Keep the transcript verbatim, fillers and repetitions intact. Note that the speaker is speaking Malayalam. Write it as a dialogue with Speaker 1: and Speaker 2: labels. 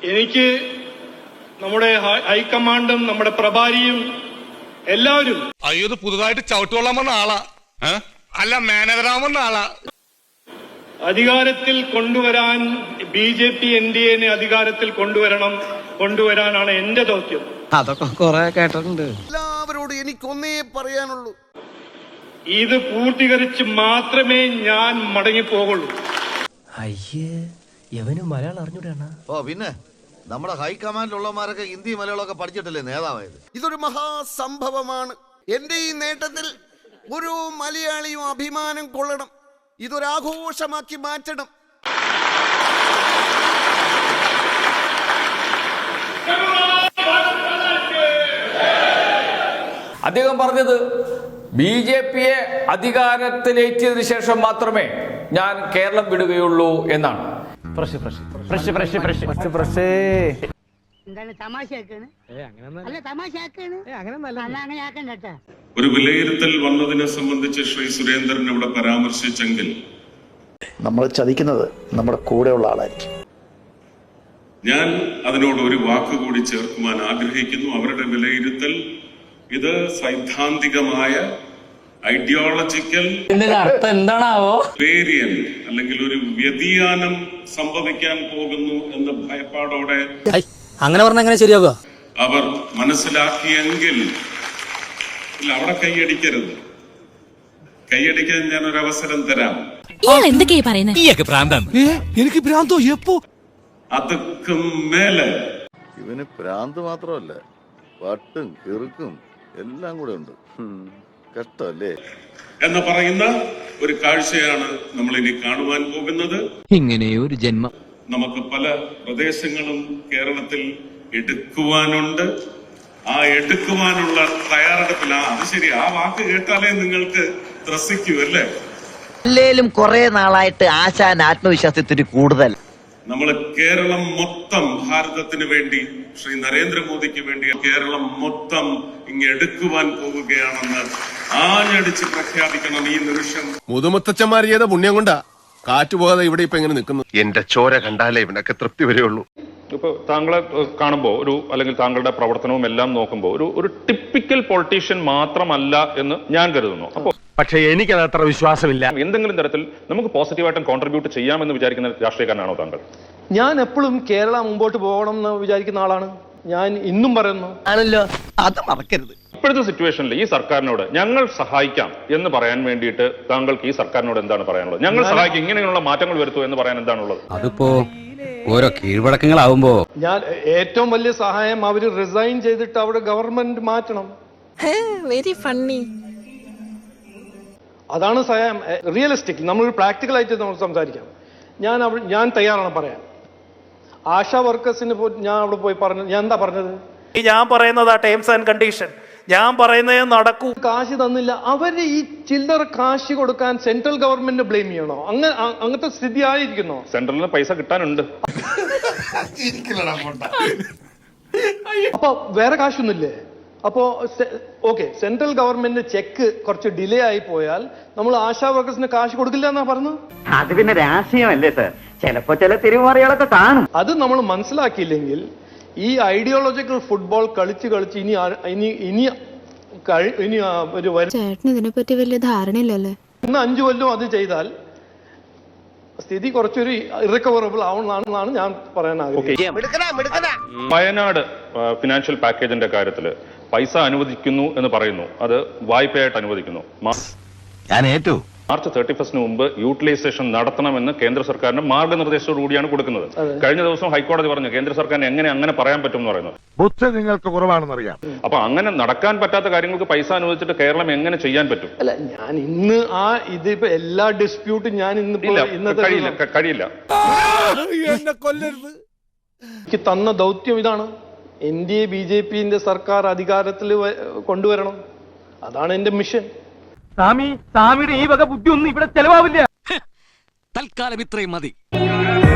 Speaker 1: എനിക്ക് നമ്മുടെ ഹൈക്കമാൻഡും നമ്മുടെ പ്രഭാരിയും എല്ലാവരും
Speaker 2: അയ്യോ പുതുതായിട്ട് ചവിട്ടുകൊള്ളാൻ വന്ന ആളാ അല്ല മാനേജറാൻ വന്ന ആളാ
Speaker 1: അധികാരത്തിൽ കൊണ്ടുവരാൻ B J P N D എനെ അധികാരത്തിൽ കൊണ്ടുവരണം കൊണ്ടുവരാനാണ് എന്റെ ദൗത്യം.
Speaker 3: അതൊക്കെ കുറെ കേട്ടിട്ടുണ്ട്.
Speaker 4: എല്ലാവരോടും എനിക്കൊന്നേ പറയാനുള്ളൂ,
Speaker 1: ഇത് പൂർത്തീകരിച്ച് മാത്രമേ ഞാൻ മടങ്ങിപ്പോകുള്ളൂ.
Speaker 5: അയ്യേ യവന് മലയാളം അറിഞ്ഞൂടാണ്.
Speaker 4: ഓ പിന്നെ നമ്മുടെ ഹൈക്കമാൻഡിലുള്ളമാരൊക്കെ ഹിന്ദി മലയാളമൊക്കെ പഠിച്ചിട്ടല്ലേ നേതാവായത്. ഇതൊരു മഹാസംഭവമാണ്. എന്റെ ഈ നേട്ടത്തിൽ ഒരു മലയാളിയും അഭിമാനം കൊള്ളണം. ഇതൊരാഘോഷമാക്കി മാറ്റണം.
Speaker 6: അദ്ദേഹം പറഞ്ഞത് ബി ജെ പിയെ അധികാരത്തിലേറ്റിയതിനു ശേഷം മാത്രമേ ഞാൻ കേരളം വിടുകയുള്ളൂ എന്നാണ്.
Speaker 7: ഒരു വിലയിരുത്തൽ വന്നതിനെ സംബന്ധിച്ച് ശ്രീ സുരേന്ദ്രൻ ഇവിടെ പരാമർശിച്ചെങ്കിൽ
Speaker 8: നമ്മൾ ചതിക്കുന്നത് നമ്മുടെ കൂടെയുള്ള ആളായിരിക്കും.
Speaker 7: ഞാൻ അതിനോട് ഒരു വാക്കുകൂടി ചേർക്കുവാൻ ആഗ്രഹിക്കുന്നു. അവരുടെ വിലയിരുത്തൽ ഇത് സൈദ്ധാന്തികമായ ഐഡിയോളജിക്കൽ
Speaker 6: അർത്ഥം എന്താണാവോ
Speaker 7: വേരിയന്റ് അല്ലെങ്കിൽ ഒരു വ്യതിയാനം സംഭവിക്കാൻ പോകുന്നു എന്ന ഭയപ്പാടോടെ
Speaker 5: അങ്ങനെ പറഞ്ഞ എങ്ങനെ ശരിയാവുക?
Speaker 7: അവർ മനസ്സിലാക്കിയെങ്കിൽ അവിടെ കൈയടിക്കരുത്. കൈയടിക്കാൻ ഞാൻ ഒരു അവസരം തരാം.
Speaker 5: എനിക്ക് ഭ്രാന്തോ എപ്പോ?
Speaker 7: അതുക്കും മേലെ
Speaker 4: ഇവന് ഭ്രാന്ത് മാത്രമല്ല, വട്ടും കിറുക്കും എല്ലാം കൂടെ ഉണ്ട്. കഷ്ടല്ലേ
Speaker 7: എന്ന് പറയുന്ന ഒരു കാഴ്ചയാണ് നമ്മൾ ഇനി കാണുവാൻ പോകുന്നത്.
Speaker 3: ഇങ്ങനെ ഒരു ജന്മം
Speaker 7: നമുക്ക് പല പ്രദേശങ്ങളും കേരളത്തിൽ എടുക്കുവാനുണ്ട്. ആ എടുക്കുവാനുള്ള തയ്യാറെടുപ്പില്ല. അത് ശരി, ആ വാക്ക് കേട്ടാലേ നിങ്ങൾക്ക് ത്രസിക്കൂ അല്ലേ?
Speaker 3: അല്ലേലും കുറെ നാളായിട്ട് ആശാൻ ആത്മവിശ്വാസത്തിന് കൂടുതൽ.
Speaker 7: നമ്മൾ കേരളം മൊത്തം ഭാരതത്തിന് വേണ്ടി, ശ്രീ നരേന്ദ്രമോദിക്ക് വേണ്ടി കേരളം മൊത്തം ഇങ്ങ് എടുക്കുവാൻ പോവുകയാണെന്ന് ആഞ്ഞടിച്ച് പ്രഖ്യാപിക്കണം ഈ നിമിഷം.
Speaker 2: മുതുമുത്തച്ഛന്മാർ ചെയ്ത പുണ്യം കൊണ്ടാ കാറ്റുപോകാതെ ഇവിടെ ഇപ്പൊ എങ്ങനെ നിൽക്കുന്നു.
Speaker 9: എന്റെ ചോര കണ്ടാലേ ഇവനൊക്കെ തൃപ്തി വരെയുള്ളൂ.
Speaker 10: ഇപ്പൊ താങ്കളെ കാണുമ്പോൾ ഒരു അല്ലെങ്കിൽ താങ്കളുടെ പ്രവർത്തനവും എല്ലാം നോക്കുമ്പോൾ ഒരു ഒരു ടിപ്പിക്കൽ പൊളിറ്റീഷ്യൻ മാത്രമല്ല എന്ന് ഞാൻ കരുതുന്നു. അപ്പൊ
Speaker 2: പക്ഷെ എനിക്കത് അത്ര വിശ്വാസമില്ല.
Speaker 10: എന്തെങ്കിലും തരത്തിൽ നമുക്ക് പോസിറ്റീവായിട്ടും കോൺട്രിബ്യൂട്ട് ചെയ്യാമെന്ന് വിചാരിക്കുന്ന രാഷ്ട്രീയക്കാരനാണോ താങ്കൾ?
Speaker 11: ഞാൻ എപ്പോഴും കേരള മുമ്പോട്ട് പോകണം എന്ന് വിചാരിക്കുന്ന ആളാണ്. ഞാൻ ഇന്നും പറയുന്നു.
Speaker 3: ആണല്ലോ, അത് മറക്കരുത്.
Speaker 10: ഇപ്പോഴത്തെ സിറ്റുവേഷനിൽ ഈ സർക്കാരിനോട് ഞങ്ങൾ സഹായിക്കാം എന്ന് പറയാൻ വേണ്ടിയിട്ട് താങ്കൾക്ക് ഈ സർക്കാരിനോട് എന്താണ് പറയാനുള്ളത്? ഞങ്ങൾ സഹായിക്കും, ഇങ്ങനെയുള്ള മാറ്റങ്ങൾ വരുത്തൂ എന്ന് പറയാൻ എന്താണുള്ളത്?
Speaker 3: അതിപ്പോ ഓരോ കീഴ്വഴക്കങ്ങളാവുമ്പോ
Speaker 11: ഞാൻ ഏറ്റവും വലിയ സഹായം അവര് റിസൈൻ ചെയ്തിട്ട് അവിടെ ഗവൺമെന്റ് മാറ്റണം.
Speaker 12: Very funny.
Speaker 11: അതാണ് സഹായം. റിയലിസ്റ്റിക്, നമ്മൾ പ്രാക്ടിക്കൽ ആയിട്ട് നമ്മൾ സംസാരിക്കാം. ഞാൻ ഞാൻ തയ്യാറാണ് പറയാൻ. ആശാ വർക്കേഴ്സിന് ഞാൻ അവിടെ പോയി പറഞ്ഞു. ഞാൻ എന്താ പറഞ്ഞത്?
Speaker 5: ഞാൻ പറയുന്നത് ആ ടേംസ് ആൻഡ് കണ്ടീഷൻ ഞാൻ പറയുന്നേ നടക്കൂ.
Speaker 11: കാശ് തന്നില്ല. അവര് ഈ ചില്ലറ കാശ് കൊടുക്കാൻ സെൻട്രൽ ഗവൺമെന്റ് ബ്ലെയിം ചെയ്യണോ? അങ്ങനെ അങ്ങനത്തെ സ്ഥിതി ആയിരിക്കുന്നോ?
Speaker 10: സെൻട്രലിന് പൈസ കിട്ടാനുണ്ട്.
Speaker 11: അപ്പൊ വേറെ കാശൊന്നുമില്ലേ? അപ്പോ ഓക്കെ, സെൻട്രൽ ഗവൺമെന്റ് ചെക്ക് കുറച്ച് ഡിലേ ആയി പോയാൽ നമ്മൾ ആശാ വർക്കേഴ്സിന് കാശ് കൊടുക്കില്ല എന്നാ പറഞ്ഞു.
Speaker 3: അത് പിന്നെ രാഷ്ട്രീയമല്ലേ സാർ, ചിലപ്പോ ചില തിരുമറികളൊക്കെ കാണും.
Speaker 11: അത് നമ്മൾ മനസ്സിലാക്കിയില്ലെങ്കിൽ ഈ ഐഡിയോളജിക്കൽ ഫുട്ബോൾ കളിച്ച് കളിച്ച് ഇനി ഇനി ഇനി ഇനി ഒരു
Speaker 12: ചേട്ടന് ഇതിനെപ്പറ്റി വലിയ ധാരണയില്ലല്ലേ.
Speaker 11: ഇന്ന് അഞ്ചു കൊല്ലം അത് ചെയ്താൽ സ്ഥിതി കുറച്ചൊരു ഇറക്കവറബിൾ ആവുന്നതാണെന്നാണ് ഞാൻ പറയാൻ ആഗ്രഹിക്കുന്നത്.
Speaker 10: വയനാട് ഫിനാൻഷ്യൽ പാക്കേജിന്റെ കാര്യത്തിൽ പൈസ അനുവദിക്കുന്നു എന്ന് പറയുന്നു. അത് വായ്പയായിട്ട് അനുവദിക്കുന്നു.
Speaker 9: ഞാൻ ഏറ്റു
Speaker 10: മാർച്ച് തേർട്ടി ഫസ്റ്റിന് മുമ്പ് യൂട്ടിലൈസേഷൻ നടത്തണമെന്ന് കേന്ദ്ര സർക്കാരിന്റെ മാർഗനിർദ്ദേശത്തോടു കൂടിയാണ് കൊടുക്കുന്നത്. കഴിഞ്ഞ ദിവസം ഹൈക്കോടതി പറഞ്ഞു കേന്ദ്ര സർക്കാരിന് എങ്ങനെ അങ്ങനെ പറയാൻ പറ്റും എന്ന് പറയുന്നത്.
Speaker 2: ബുദ്ധി നിങ്ങൾക്ക് കുറവാണെന്നറിയാം.
Speaker 10: അപ്പൊ അങ്ങനെ നടക്കാൻ പറ്റാത്ത കാര്യങ്ങൾക്ക് പൈസ അനുവദിച്ചിട്ട് കേരളം എങ്ങനെ ചെയ്യാൻ പറ്റും?
Speaker 11: അല്ല, ഞാൻ ഇന്ന് ആ ഇതിപ്പോ എല്ലാ ഡിസ്പ്യൂട്ടും ഞാൻ ഇന്ന്
Speaker 10: കഴിയില്ല കഴിയില്ല
Speaker 11: എനിക്ക് തന്ന ദൗത്യം ഇതാണ്. N D A B J പിന്റെ സർക്കാർ അധികാരത്തിൽ കൊണ്ടുവരണം. അതാണ് എന്റെ മിഷൻ.
Speaker 5: സ്വാമി സ്വാമിയുടെ ഈ വക ബുദ്ധി ഒന്നും ഇവിടെ ചെലവാവില്ല.
Speaker 3: തൽക്കാലം ഇത്രയും മതി.